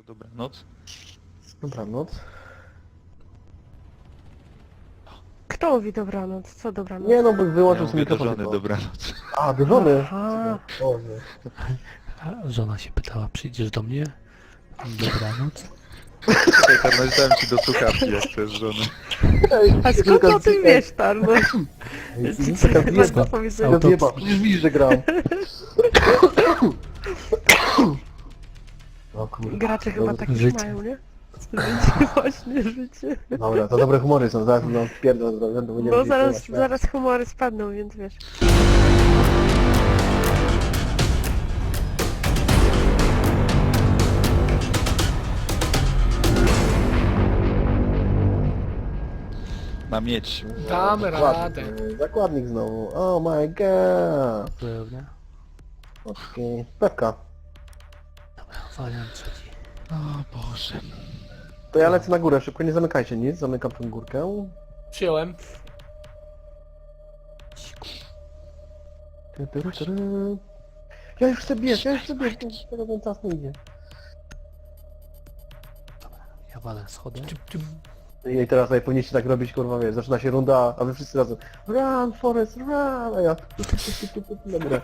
To dobranoc. Dobranoc. Kto mówi dobranoc? Co dobranoc? Nie no, bo Ja wyłączył sobie mówię do mikrofon. żony tylko. dobranoc. A, do żony? Aha. Boże. A żona się pytała, przyjdziesz do mnie? Dobranoc. Czekaj, Tarnoś, dałem ci do słuchawki, jak chcesz żony. A skąd o tym wiesz, Tarno? Jest taka Chyba wjeba. do powiedzenia. Taka wjeba. Przecież widzisz, że gram. O kurwa. Gracze chyba Dobra. takie Życie. mają, nie? Życie, właśnie życie. Dobra, to dobre humory są, zaraz no pierdol będą Bo zaraz humory spadną, więc wiesz. Ma mieć. Damy radę. Zakładnik znowu. Oh my god. Pewnie. Okej. Pewka. Dobra, waliam trzeci. O Boże. To ja lecę na górę, szybko nie zamykajcie nic, zamykam tą górkę. Przyjąłem. Ja już chcę biec, tego ten czas nie idzie. Ja walę schody. I teraz tutaj powinniście tak robić, kurwa, wiesz, zaczyna się runda, a wy wszyscy razem run, Forest, run, a ja dobra.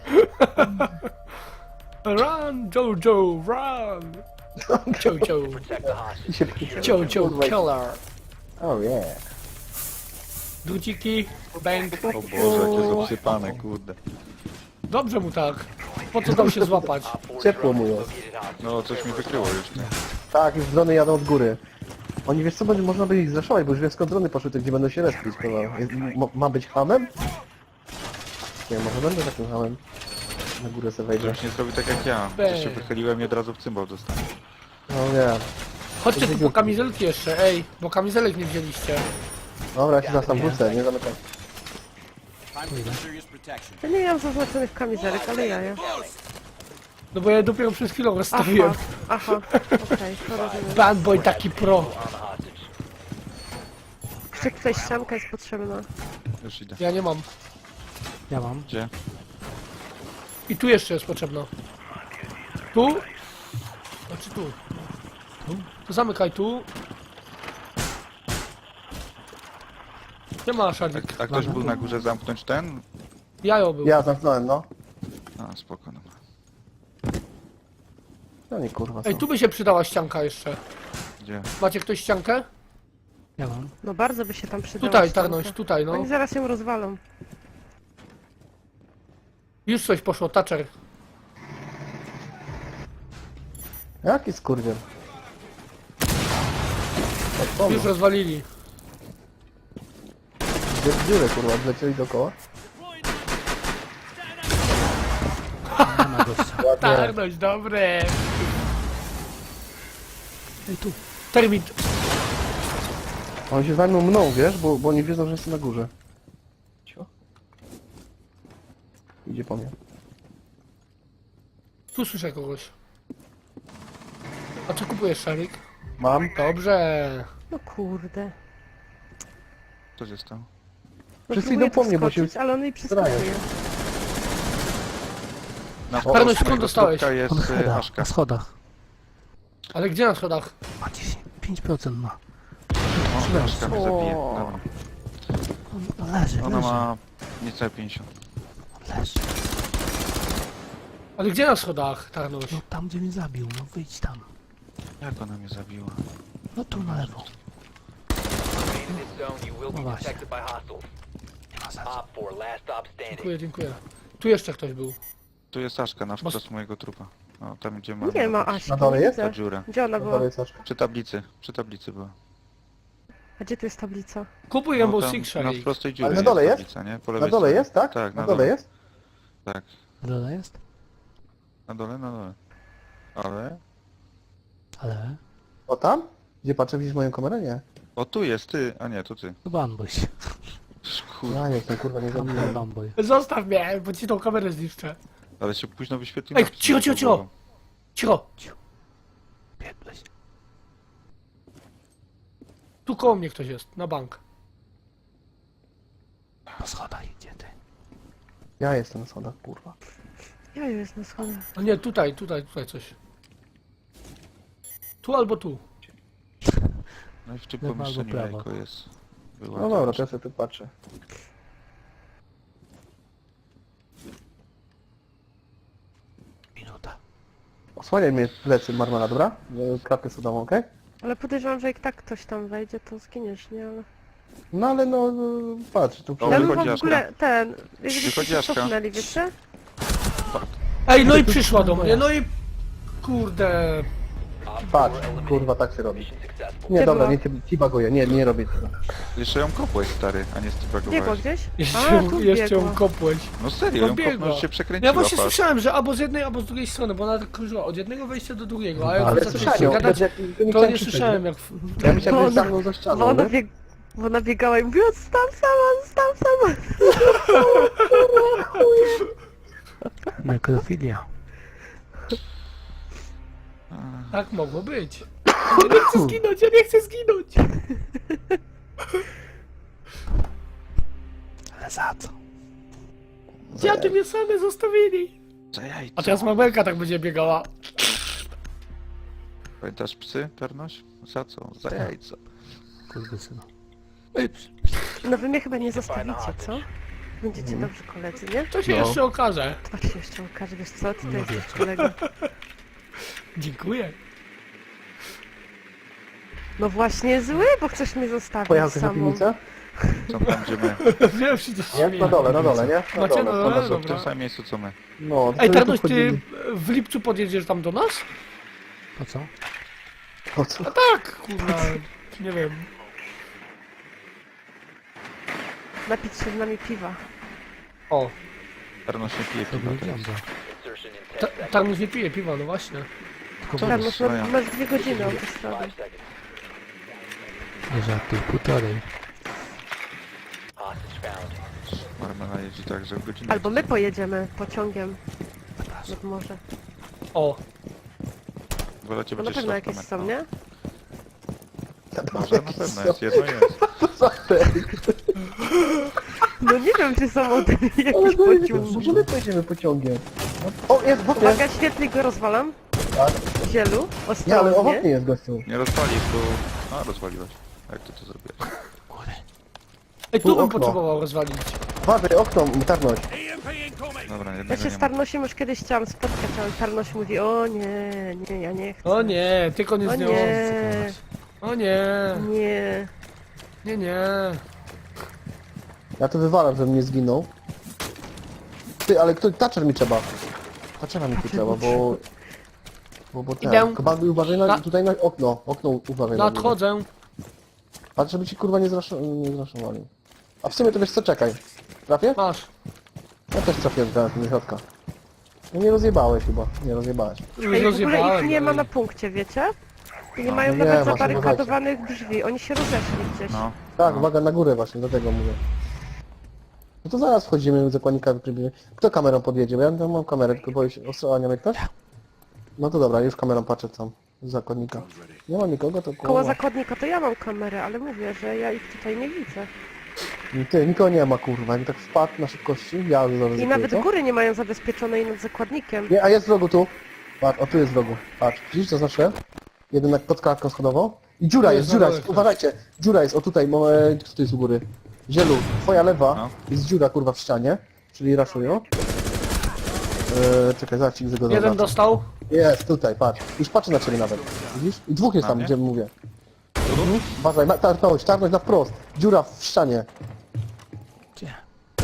Run, Jojo, run! Jojo, I się Jojo killer. Oh yeah. Druciki, bang. O Boże, jakie obsypane, kurde. Dobrze mu tak. Po co tam się złapać? Ciepło mu jest. No, coś mi wykryło już, nie? Tak, już drony jadą od góry. Oni, wiesz co, będzie można by ich zraszować, bo już wiem skąd drony poszły, te gdzie będą się respić, kurwa. Ma być hamem? Nie, może będę takim hamem. Na górę sobie wejdę. Żebyś nie zrobił tak jak ja. Gdzieś się wychyliłem i od razu w cymbał dostałem. No nie. Chodźcie tu po kamizelki jeszcze, ej, bo kamizelek nie wzięliście. Dobra, ja się zaraz tam wrócę, nie zamykam. Ja nie mam zaznaczonych kamizelek, ale ja. No bo ja je dopiero przed chwilą rozstawiłem. Aha, okej, to rozumiem. Bad boy taki pro. Jeszcze ktoś ścianka jest potrzebna. Już idę. Ja nie mam. Ja mam. Gdzie? I tu jeszcze jest potrzebna. Tu? Znaczy tu. To zamykaj tu. Nie ma szalik. A ktoś był na górze zamknąć ten? Jajo był. Ja zamknąłem, no. A, spoko, no. No nie kurwa są. Ej, tu by się przydała ścianka jeszcze. Gdzie? Macie ktoś ściankę? Ja mam. No bardzo by się tam przydała Tutaj, ścianka. tarność, tutaj, no. Oni zaraz ją rozwalą. Już coś poszło, Thatcher. Jaki skurwiel? Już rozwalili. Gdzie w dziurę, kurwa, wlecieli dookoła? Nie ma gościa. Ładnie. Tarność, dobre. Ej, tu. Termit. Oni się zajmą mną, wiesz, bo oni wiedzą, że jestem na górze. Cio. Idzie po mnie. Tu słyszę kogoś. A czy kupujesz szalik? Mam. Dobrze. No kurde. Co się stało? No Wszyscy próbuję idą po tu mnie, bo się skoczyć, ale on jej przeskakuje. Na Tarność, skąd mojego dostałeś? słupka jest Na schodach. Aszka. Na schodach. Ale gdzie na schodach? Ma 5% ma. O, Aszka mnie zabije. O. Dobra. On leży, Ona leży. ma niecałe 50. On leży. Ale gdzie na schodach, Tarność? No tam gdzie mnie zabił, no wyjdź tam. Jak ona mnie zabiła? No tu na lewo. No właśnie. właśnie. Nie ma sensu. Dziękuję, dziękuję. Tu jeszcze ktoś był. Tu jest Aszka na wprost mojego trupa. O, tam gdzie ma... Nie ma Asi. Na dole jest? Ta Widzę. dziura. Gdzie ona No była? dalej Saszka. Przy tablicy była. A gdzie tu jest tablica? Kupuj No, Rainbow tam Six na szalik. prostej dziurze Ale na dole jest? tablica, nie? Po Na lewej dole stronie. jest, tak? Tak, na dole jest? Tak. Na dole jest? Na dole, na dole. Ale... Ale... O tam? Gdzie patrzę, widzisz moją kamerę? Nie. O, tu jest, ty. A nie, to ty. To Bamboy. Kurde, Ja nie jestem, kurwa, nie zabiłem. Bamboy. Zostaw mnie, bo ci tą kamerę zniszczę. ale się późno wyświetliło. Ej, cicho, cicho, cicho! Cicho! Biegłeś. Tu koło mnie ktoś jest, na bank. Po schodach idzie ty. Ja jestem na schodach, kurwa. Ja jest na schodach. A nie, tutaj coś. Tu albo tu. No i w tym Lewo albo pomieszczeniu prawo. jajko jest. Była No to dobra, już- to ja sobie tu patrzę. Minuta. Osłaniaj mnie plecy Marmala, dobra? Kratkę sodową, okej? Ale podejrzewam, że jak tak ktoś tam wejdzie, to zginiesz, nie? Ale... No ale no, patrz, tu O, Ja bym wychodzi w Jaska. ogóle ten... Jakbyście Wychodzi się Jaska. cofnęli, wiecie? Ej, no i przyszła do mnie, no i... Kurde... patrz, kurwa, tak się robi. Nie, Gdzie dobra, była? nie teabaguję, nie robię tego. Jeszcze ją kopłeś, stary, a nie Biegła stybagowałeś. gdzieś? Jeszcze, A, tu jeszcze ją biegła. kopłeś. No serio, No ją biegła. kopnął, się przekręciła. Ja właśnie patrz. słyszałem, że albo z jednej, albo z drugiej strony, bo ona tak krążyła od jednego wejścia do drugiego, a jak Ale zaczęliście słyszałem ją, gadać, jak nie to chciałem nie krzyczeć, słyszałem jak... Ja myślałem, że Bo stanął za Bo ścianą, ona, nie? bo ona biegała i mówiła, zostaw sama. Nekrofilia. Tak mogło być. Ja nie chcę zginąć, ja nie chcę zginąć! Ale za co? Dziady mnie same zostawili! Za jajco. A teraz Mabelka tak będzie biegała. Pamiętasz psy, Pernoś? Za co? Za jajco. Kurde synu. No wy mnie chyba nie zostawicie, co? Będziecie dobrzy koledzy, nie? To się No. jeszcze okaże. To się jeszcze okaże, wiesz co? Ty to No jesteś wiecie. kolega. Dziękuję. No właśnie zły, bo chcesz mnie zostawić Pojechałeś na samą. piwnicę? Co tam, gdzie my? Wiem, że to Nie? Na dole, nie? Macie na dole? One są w Dobra. tym samym miejscu, co my. No, to Ej, tu Tarnoś, ty wchodzili. w lipcu podjedziesz tam do nas? Po co? Po co? Tak, kurwa, nie wiem. Napić się z nami piwa. O, Pernoś nie pije To piwa był teraz. diabła. Tarnoś nie pije piwa, no właśnie. Tylko Co Tak, to no jest to swoja? masz 2 godziny autostrady. nie żartuj, półtorej. Marmela jeździ tak, że w godzinę. Albo my pojedziemy pociągiem nad morze. O, Wolecie No na będzie pewno szlak jakieś kamer. są, nie? Może na pewno jest, jedno jest. No nie wiem, czy są od jakieś Ale to pociągi. może my pojedziemy pociągiem. O, jest w oknie! Uwaga, świetlik go rozwalam. Tak. Zielu, Nie, ale ostrożnie. owocnie jest gościu. Nie rozwalisz, bo... A, rozwaliłeś. Jak ty to zrobiłeś? ej, Tu tu bym okno. potrzebował rozwalić. Uważaj, okno, Tarnoś. Dobra, Ja jednego się nie z ma. Tarnosiem już kiedyś chciałam spotkać, ale Tarnoś mówi, o nie, ja nie chcę. O nie, tylko nie O z nią. nie, O nie, nie. nie. Ja to wywalam, żebym nie zginął. Ty, ale kto... Thatcher mi trzeba. Thatchera mi tu trzeba, bo... Bo ten... Idę. Komanduj, uważaj na... Na- Tutaj na okno. Okno uważaj na niego. Nadchodzę. Patrz, żeby ci kurwa nie zraszowali. A w sumie to wiesz co, czekaj. Trafię? Masz. Ja też trafiłem teraz do środka. No nie rozjebałeś chyba, nie rozjebałeś. Już Ej, w ogóle rozjebałem, ich nie ma ale- na punkcie, wiecie? I nie No. mają Nie, nawet masz zabarykadowanych drzwi, oni się rozeszli gdzieś. No. Tak, no. uwaga na górę właśnie, do tego mówię. No to zaraz wchodzimy, zakładnika wykrybimy. Kto kamerą podjedzie? Bo ja tam mam kamerę, tylko boję się, osłania mnie ktoś? No to dobra, już kamerą patrzę tam, z zakładnika. Nie ma nikogo, to Koło zakładnika to ja mam kamerę, ale mówię, że ja ich tutaj nie widzę. Ty, nikogo nie ma kurwa, jakby tak wpadł na szybkości, ja zaryzykuję, I nawet co? góry nie mają zabezpieczonej nad zakładnikiem. Nie, a jest w rogu tu. Patrz, o tu jest w rogu. Patrz, widzisz co znaczy? Jeden pod klatką schodową. I dziura Tu jest, jest dziura na jest, dole uważajcie. Dziura jest, o tutaj, kto tu jest u góry? Zielu, twoja lewa No. jest dziura kurwa w ścianie, czyli raszują. Czekaj, zaraz ci go Jeden zaznaczę. dostał. Jest, tutaj, patrz. Już patrzę na ciebie nawet. Widzisz? I dwóch jest Na tam, mnie? gdzie mówię. Uważaj, tarnąć na wprost. Dziura w ścianie. Gdzie?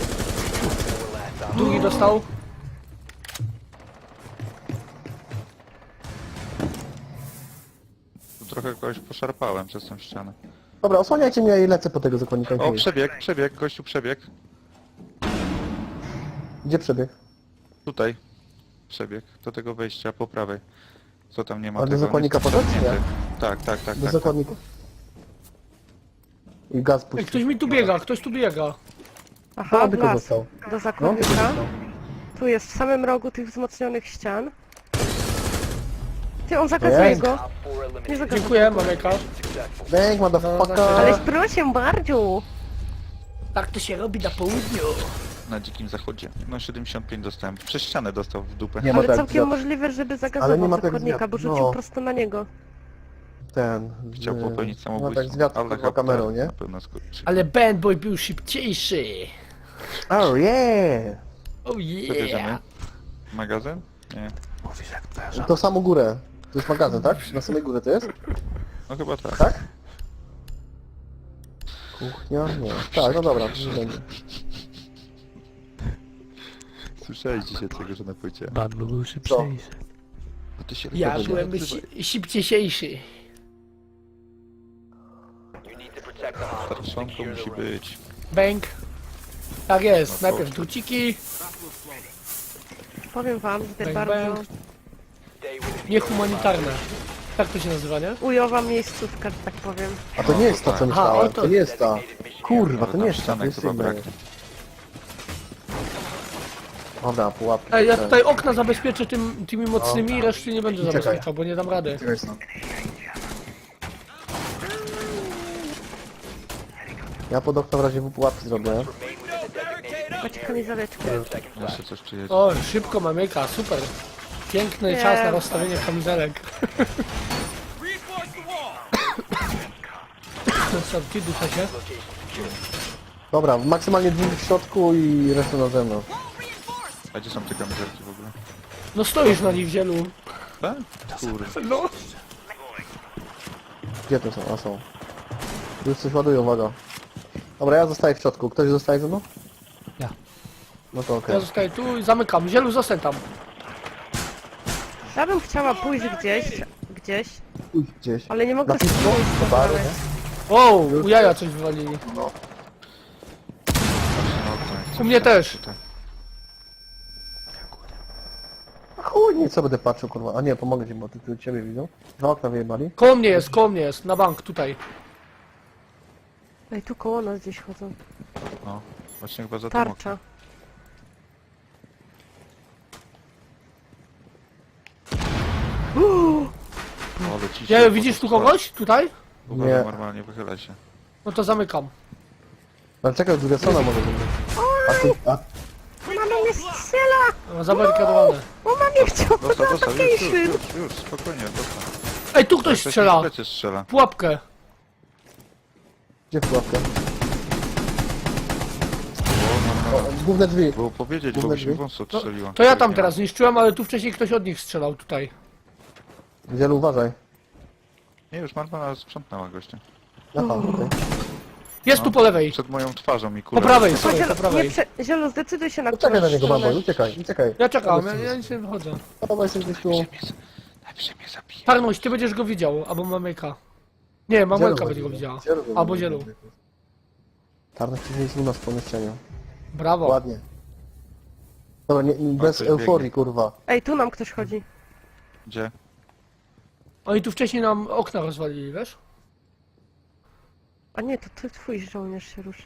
Drugi dostał. Tu trochę kogoś poszarpałem przez tą ścianę. Dobra, osłaniajcie mnie i lecę po tego zakładnika. O, przebieg, gościu przebieg. Gdzie przebieg? Tutaj. Przebieg. Do tego wejścia po prawej. Co tam nie ma A do tego? zakładnika on jest poszedł, czy nie? zamknięty. Tak. Do zakładnika. I gaz Ej, puścił. ktoś mi tu biega, ktoś tu biega. Aha, No, w tylko las. został. Do No, zakładnika. tylko został. Tu jest w samym rogu tych wzmocnionych ścian. Ty, on zakazuje Jest. go. Nie zakazuje. Dziękuję, Mameka. Bang, motherfucker! Ale proszę bardzo. Tak to się robi na południu. Na dzikim zachodzie. No 75 dostałem. Przez ścianę dostał w dupę. Nie ma Ale tak całkiem wiatr. możliwe, żeby Ale nie zagazował ma tak zakładnika, wiatr, bo rzucił no. prosto na niego. ten... Chciał popełnić No samobójstwo. tak zwiat kurwa kamerą, nie? Na pewno skurczy. Ale Bad Boy był szybciejszy. Oh yeah! Oh Co bierzemy? yeah. Magazyn? Nie. Mówisz jak twoja żona. To samą górę. To jest magazyn, tak? Na samej górze to jest? No chyba tak. Tak? Kuchnia? Nie. Tak, no dobra, nie będzie. Słyszałeś dzisiaj tego, że na płycie. Bad Boy był szybciejszy. A ty się Ja rozmawiaj, byłem nie odzywaj. szybciejszy. Starszonką musi być. Bang. Tak jest, No to- najpierw druciki, Powiem wam, że to Bang, bardzo bang. niehumanitarne. Tak to się nazywa, nie? ujowa miejscówka, że tak powiem. A to nie jest ta, co Aha, myślałem. o to- To nie jest ta. Kurwa, to Ale nie tam jest ta, to ścianek jest chyba inna. brak. Dobra, pułapki. Ej, ja tutaj okna zabezpieczę tymi mocnymi i reszty nie będę Czekaj. zabezpieczał, bo nie dam rady. Czekaj, co? Ja pod okno w razie pułapki zrobię. Macie kamizeleczkę. Jeszcze coś przyjedzie. O, szybko mamyka, super. Piękny Nie. czas na rozstawienie kamizelek. Ty ducha się. Dobra, maksymalnie dwóch w środku i resztę na zewnątrz. A gdzie są te kamizelki w ogóle? No stoisz na nich w zielu. Tak? Kurde. No. Gdzie to są? A są. Już coś ładuje, uwaga. Dobra, ja zostaję w środku. Ktoś zostaje ze mną? Ja. No to okej. Ja zostaję tu i zamykam. Zielu, zostań tam. Ja bym chciała pójść gdzieś, Pójdź gdzieś. ale nie mogę Na piwko? pójść Do baru, znaleźć. nie? O, u jaja coś wywalili. No, U mnie też. Tutaj. A chuj, nie, co będę patrzył, kurwa. A nie, pomogę ci, bo ty tu ciebie widzą. Dwa okna wyjebali. Koło mnie jest, na bank, tutaj. Ej, tu koło nas gdzieś chodzą. No, właśnie chyba za tym oknem. Tarcza. O, leci się Ja, po widzisz to tu kogoś? Tutaj? Uważaj, Nie. normalnie wychylaj się. No to zamykam. Ale czekaj, druga strona może być. A ty, a Mama mnie strzela! No, zabarykadowane. Mama mnie chciała Dostał, na już, takiej już, spokojnie, dostał. Ej, tu ktoś strzela. Ktoś strzela. Pułapkę. gdzie pułapka? O, no, O, główne drzwi. było powiedzieć, bo Główne by się drzwi? wąs No, odstrzeliła. to ja tam teraz zniszczyłem, ale tu wcześniej ktoś od nich strzelał tutaj. Wielu, uważaj. Nie, już Marmana sprzątnęła gościa. Aha, okej. Jest tu po lewej. Przed moją twarzą i Po kulą. prawej, Tylko sorry, po prawej. Zielu, zdecyduj się na Uciekaj na którąś niego, stronę. babo, uciekaj, uciekaj. Ja czekam, ja nic nie wychodzę. Dawaj, jesteś gdzieś tu. Najpierw mnie zabije. Tarnuś, ty będziesz go widział, albo mamyka. Nie, mamelka będzie go widziała. Albo zielu. Tarnek jest u nas w pomieszczeniu. Brawo. Ładnie. Dobra, nie, bez coś euforii, biegnie. kurwa. Ej, tu nam ktoś chodzi. Gdzie? Oni tu wcześniej nam okna rozwalili, wiesz? A nie, to ty, twój żołnierz się ruszy.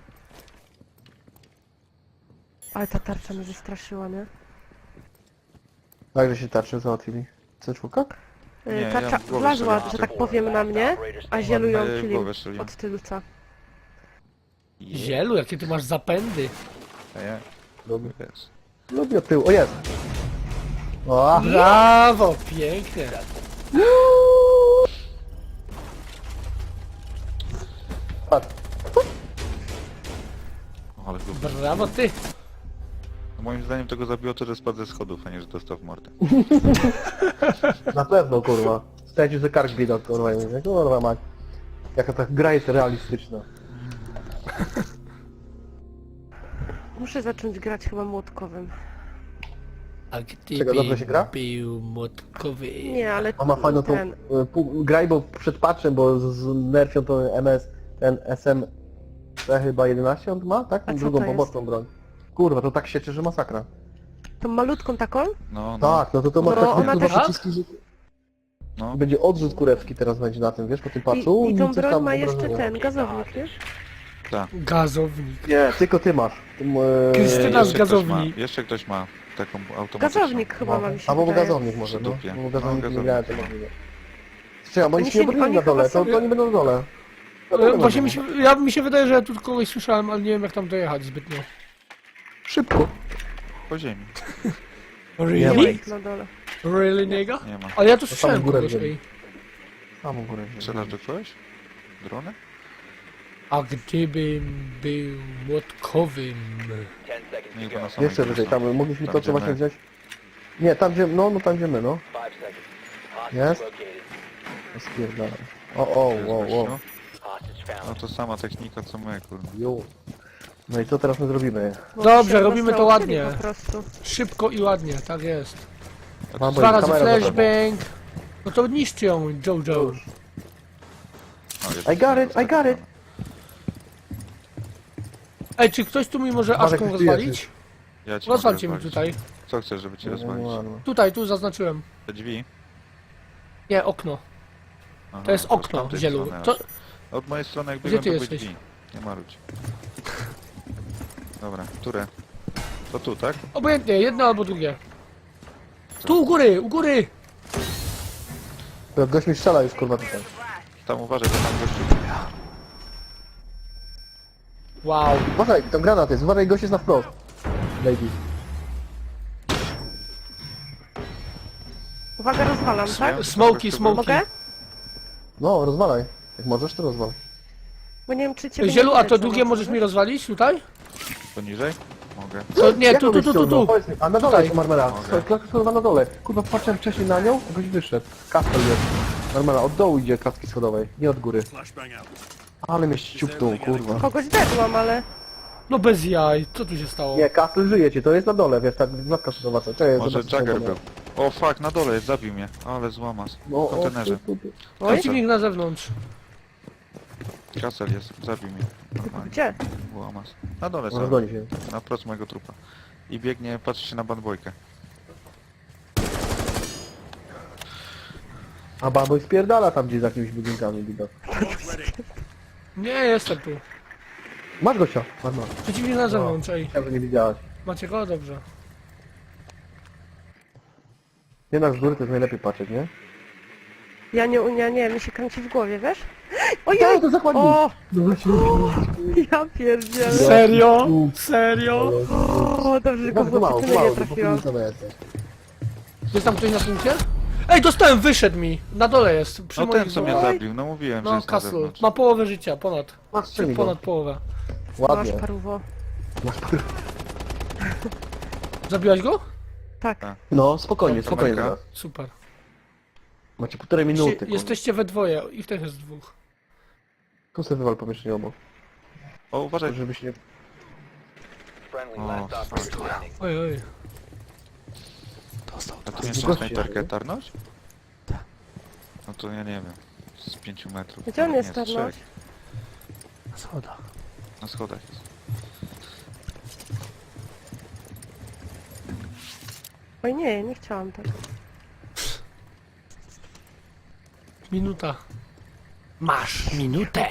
Ale ta tarcza mnie wystraszyła, nie? Także się tarczy załatwili. C4? Nie, ja Tarcza w głowę wlazła, sobie że tak powiem, na mnie, a zielu A ją ja jej w kilił głowę strzeliłem. od tylca. Zielu, jakie ty masz zapędy. Nie, Lubię. jest. Lubię od tyłu. O, jest! O, Brawo, pięknie. patrz. O, ale go... Brawo ty. Moim zdaniem tego zabiło to, że spadł ze schodów, a nie, że dostał w mordę. Na pewno, kurwa. Stracił sobie kark widok, kurwa. I mówię, kurwa, mać. Jaka ta gra jest realistyczna. Muszę zacząć grać chyba młotkowym. A gdy Czego, dobrze się gra? był młotkowy. Nie, ale On ma fajną tą... ten... graj, bo przed patchem, bo z nerfią to MS, ten SM... chyba 11 on ma, tak? A co Drugą to jest? pomocną broń. Kurwa, to tak sieczy, że masakra. Tą malutką taką? No, no, Tak, no to ma No, tak ona kurwa też- przyciski, że... no. Będzie odrzut kurewski teraz będzie na tym, wiesz, po tym patchu. I tą coś broń tam ma jeszcze obrażenia. ten, gazownik, nie? Gazownik. Nie, tylko ty masz. Tym, Krystyna z Jeszcze ktoś gazowni. ma- Jeszcze ktoś ma taką automatyczną. Gazownik chyba ma mi się Albo wydaje. gazownik może, no. Dupie. Bo gazownik No, nie gazownik. miałem to możliwe. Czekaj, bo oni Oni się nie się- obrali oni na dole, chyba to oni będą na dole. To nie Właśnie będą. mi się wydaje, że ja tu kogoś słyszałem, ale nie wiem jak tam dojechać zbytnio. Szybko. Po ziemi. Nie ma Really? ich na dole. Really, niego? Nie ma. Ale ja tu To słyszałem samą górę kogoś, wzięli. ej. Tam u góry. Strzelasz do kogoś? Drony? A gdybym był młotkowym... Nie, bo na samej Jeszcze górze wyżej, są. tam mogliśmy Tam, to gdzie co właśnie my. wziąć. Nie, tam gdzie, no tam gdzie my, no. Jest? Spierdalam. O, To jest wow. gościu. No to sama technika co my, kurde. Jo. No i co teraz my zrobimy? Bo Dobrze, się robimy to roztrącili ładnie. Po prostu. Szybko i ładnie, tak jest. Mam 2 razy kamera za tobą. flashbang. No to niszczy ją, Jojo. No, jest I got it! Ej, czy ktoś tu mi może Marek, Aszką ty rozwalić? jesteś. Ja ci Rozwalcie mi mogę tutaj. rozwalić. Co chcesz, żeby cię rozwalić? Tutaj, tu zaznaczyłem. Te drzwi? Nie, okno. Aha, To jest z okno, tamtej zielu. strony To... aż. Od mojej strony jak Gdzie biegłem, ty to były jesteś? drzwi. Nie marudź. Dobra, które? To tu, tak? Obojętnie, jedno albo drugie. Tu u góry, u góry! Gość mi strzela już kurwa tutaj. Tam uważaj, bo tam gościu. Wow. Uważaj, tam granat jest, uważaj, gość jest na wprost. Lady. Uwaga, rozwalam, tak? Smoki, smoki. Mogę? No, rozwalaj. Jak możesz, to rozwal. Bo nie wiem, czy ciebie Zielu, nie a widać to za drugie mocno, możesz wiesz? mi rozwalić tutaj? Poniżej? Mogę. To, nie, Jak tu, on tu, mnie tu, tu, ściągnął? tu. Powiedz mi, a na dole Tutaj. jest Marmela. Mogę. Słuchaj, klatka schodowa na dole. Kurwa, patrzyłem wcześniej na nią, a gość wyszedł. Kastel jest. Marmela, od dołu idzie klatki schodowej, nie od góry. Ale mnie ściupnął, kurwa. Kogoś dedłam, ale... No bez jaj, co tu się stało? Nie, Kastel żyje ci, to jest na dole, wiesz, tak, klatka schodowa. co? Czekaj, Może zobaczę, co Jagger to był. O fuck, na dole jest, zabił mnie. Ale złamas. No, W kontenerze. Przeciwnik na zewnątrz. Kasel jest, zabił mnie. Normalnie. Gdzie? Łamas. Na dole Może są, goni się. na prost mojego trupa. I biegnie, patrzy się na bandbojkę. A baboj spierdala tam gdzieś za jakimiś budynkami, widok. Nie, jestem tu. Masz gościa, Marmela. Przeciwnik na zewnątrz, ej. Ja, że nie widziałaś. Macie go? Dobrze. Jednak z góry to jest najlepiej patrzeć, nie? Nie, mi się kręci w głowie, wiesz? Tak, Ojej! to zakładnik. O! No właśnie. Ja pierdzielę. Serio? Serio? O, dobrze, że go Bardzo w mało, oficynę mało, nie bo trafiłam. to jesteś. Jest tam ktoś na punkcie? Ej, dostałem, wyszedł mi. Na dole jest. Przy No moich ten co mnie głowach. zabił, no mówiłem, że No, jest na Castle. zewnątrz. Ma połowę życia, ponad. Masz strzeli go. Ponad połowę. Masz Ładnie. paruwo. Zabiłaś go? Tak. No, spokojnie, Dobra, spokojnie Marka. zaraz. Super. Macie półtorej minuty, Czy kurwa. jesteście we dwoje i w tych jest dwóch. Tu sobie wywal pomieszczenie obok. O, uważaj. Żeby się nie... O, fuck. Oj, oj. Dostał A dwa. tu jeszcze Goście, snajperkę nie? tarnąć? Tak. No to ja nie wiem. Z 5 metrów. Gdzie on Nie, jest, z Tarnoś? 3. Na schodach. Na schodach jest. Oj nie, nie chciałam tak. Minuta. Masz minutę.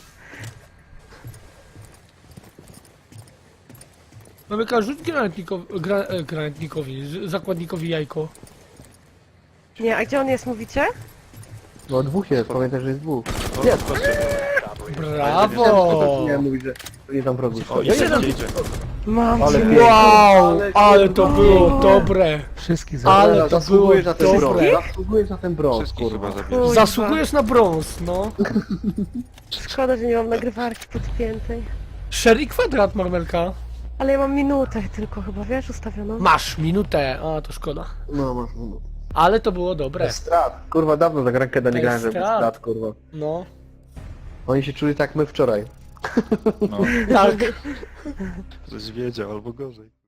Mamy rzut granatnikowi, zakładnikowi jajko. Nie, a gdzie on jest, mówicie? No dwóch jest, pamiętaj, że jest dwóch. O, Jest. zobaczcie. Brawo! Nie mówić, że nie tam wrogu. O, Ja idzie, jeden- idzie. Mam Ale cię. pięknie. Wow! Ale to było dobre! Wszystkich Ale zabrał. to Zasługujesz było na ten brąz. dobre. Zasługujesz na ten brąz, Wszystkich chyba kurwa. zabierze. Kuźwa. Zasługujesz na brąz, no. Szkoda, że nie mam nagrywarki podpiętej. Sherry kwadrat, Marmelka. Ale ja mam minutę tylko chyba, wiesz, ustawioną. Masz minutę. A, to szkoda. No, masz. Ale to było dobre. Bez strat. Kurwa, dawno za grankę nie Bez grałem, żeby bez strat. strat, kurwa. No. Oni się czuli tak jak my wczoraj. No, Tak. coś wiedział albo gorzej.